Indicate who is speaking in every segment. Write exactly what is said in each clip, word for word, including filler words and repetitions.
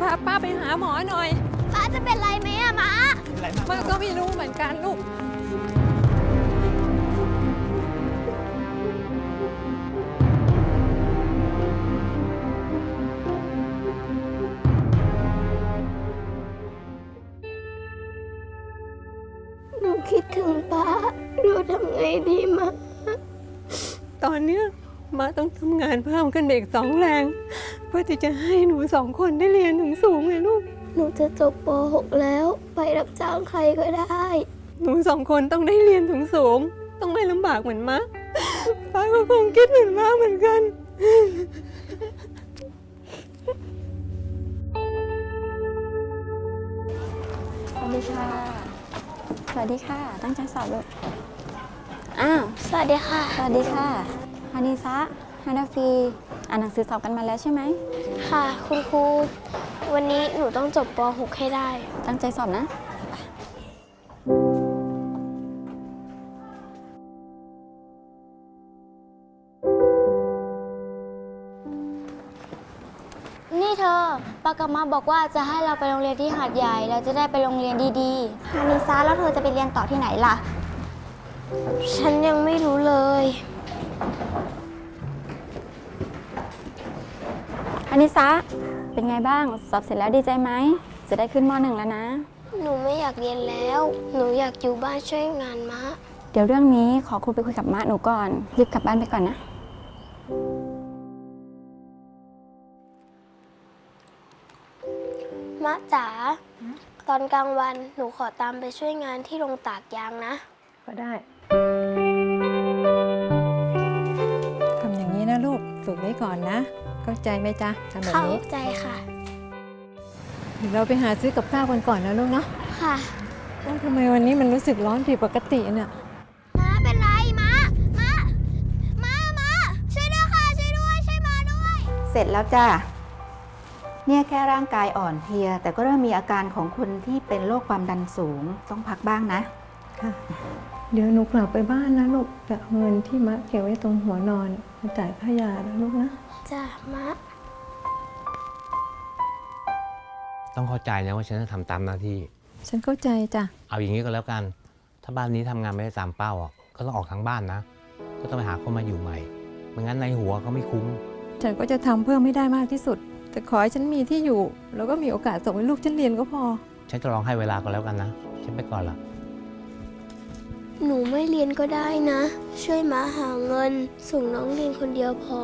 Speaker 1: พาป้าไปหาหมอหน่อย
Speaker 2: ป้าจะเป็นไรไหมอะม้า
Speaker 1: ป้าก็ไม่รู้เหมือนกันลูก
Speaker 2: หนูคิดถึงป้าเราทำไงดีมา
Speaker 1: ตอนเนี้ยมาต้องทำงานเพิ่มขึ้นอีกสองแรงเพื่อที่จะให้หนูสองคนได้เรียนถึงสูงเลยลูก
Speaker 2: หนูจะจบป หก แล้วไปรับจ้างใครก็ได้
Speaker 1: หนูสองคนต้องได้เรียนถึงสูงต้องไม่ลำบากเหมือนมะป้าก็คงคิดเหมือนมะเหมือนกัน
Speaker 3: สวัสดีค่ะสวัสดีค่ะตั้งใจสอบลูกอ้าว
Speaker 2: สวัสดีค่ะ
Speaker 3: สวัสดีค่ะฮานิซะฮานาฟีอ่านหนังสือสอบกันมาแล้วใช่ไหม
Speaker 2: ค่ะคุณครูวันนี้หนูต้องจบป หก ให้ได้
Speaker 3: ตั้งใจสอบนะ
Speaker 2: นี่เธอปากามาบอกว่าจะให้เราไปโรงเรียนที่หาดใหญ่เราจะได้ไปโรงเรียนดี
Speaker 3: ๆฮานิซะแล้วเธอจะไปเรียนต่อที่ไหนล่ะ
Speaker 2: ฉันยังไม่รู้เลย
Speaker 3: ฮานิซะเป็นไงบ้างสอบเสร็จแล้วดีใจไหมจะได้ขึ้นม หนึ่ง แล้วนะ
Speaker 2: หนูไม่อยากเรียนแล้วหนูอยากอยู่บ้านช่วยงานมะ
Speaker 3: เดี๋ยวเรื่องนี้ขอครูไปคุยกับมะหนูก่อนรีบกลับบ้านไปก่อนนะ
Speaker 2: มะจ๋าตอนกลางวันหนูขอตามไปช่วยงานที่โรงตากยางนะ
Speaker 1: ก็ได้ทำอย่างนี้นะลูกฝึกไว้ก่อนนะเข้าใจไหมจ๊ะทำแบบนี้
Speaker 2: เข้าใจค่ะ
Speaker 1: เราไปหาซื้อกับข้าวกันก่อนนะลูกเนาะ
Speaker 2: ค่ะ
Speaker 1: แล้วทำไมวันนี้มันรู้สึกร้อนผิดปกติเนี่ย
Speaker 2: ม้าเป็นไรม้าม้าม้าม้าช่วยด้วยค่ะช่วยด้วยช่วยม้าด้วย
Speaker 4: เสร็จแล้วจ้าเนี่ยแค่ร่างกายอ่อนเพลียแต่ก็เริ่มมีอาการของคนที่เป็นโรคความดันสูงต้องพักบ้างนะ
Speaker 1: ค่ะเดี๋ยวหนูกลับไปบ้านนะลูกจะเอาเงินที่มะเก็บไว้ตรงหัวนอนมาจ่ายค่ายานะลูกนะ
Speaker 2: จ้ะมะ
Speaker 5: ต้องเข้าใจนะว่าฉันจะทำตามหน้าที่
Speaker 1: ฉันเข้าใจจ้ะ
Speaker 5: เอาอย่างนี้ก็แล้วกันถ้าบ้านนี้ทำงานไม่ได้ตามเป้าอ่ะก็ต้องออกทั้งบ้านนะก็ต้องไปหาคนมาอยู่ใหม่ไม่งั้นในหัวก็ไม่คุ้ม
Speaker 1: ฉันก็จะทำเพิ่มไม่ได้มากที่สุดแต่ขอให้ฉันมีที่อยู่แล้วก็มีโอกาสส่งให้ลูกฉันเรียนก็พอ
Speaker 5: ฉันจะลองให้เวลาก็แล้วกันนะฉันไปก่อนละ
Speaker 2: หนูไม่เรียนก็ได้นะช่วยม้าหาเงินส่งน้องเรียนคนเดียวพอ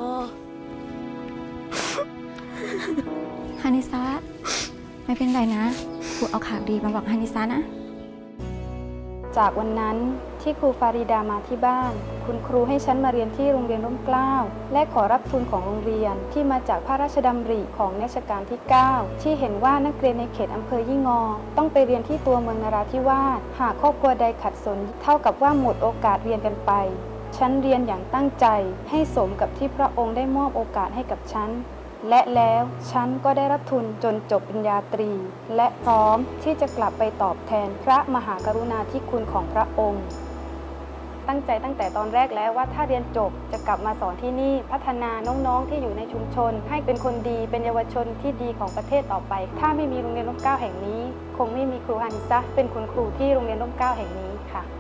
Speaker 3: ฮานิซะไม่เป็นไรนะครูเอาข่าวดีมาบอกฮานิซะนะ
Speaker 6: จากวันนั้นที่ครูฟาริดามาที่บ้านคุณครูให้ฉันมาเรียนที่โรงเรียนร่มเกล้าและขอรับทุนของโรงเรียนที่มาจากพระราชดำริของรัชกาลที่เก้าที่เห็นว่านักเรียนในเขตอำเภอยี่งอต้องไปเรียนที่ตัวเมืองนราธิวาสหากครอบครัวใดขัดสนเท่ากับว่าหมดโอกาสเรียนกันไปฉันเรียนอย่างตั้งใจให้สมกับที่พระองค์ได้มอบโอกาสให้กับฉันและแล้วฉันก็ได้รับทุนจนจบปริญญาตรีและพร้อมที่จะกลับไปตอบแทนพระมหากรุณาธิคุณของพระองค์ตั้งใจตั้งแต่ตอนแรกแล้วว่าถ้าเรียนจบจะกลับมาสอนที่นี่พัฒนาน้องๆที่อยู่ในชุมชนให้เป็นคนดีเป็นเยาวชนที่ดีของประเทศต่อไปถ้าไม่มีโรงเรียนร่มเกล้าแห่งนี้คงไม่มีครูฮานิซะเป็นคุณครูที่โรงเรียนร่มเกล้าแห่งนี้ค่ะ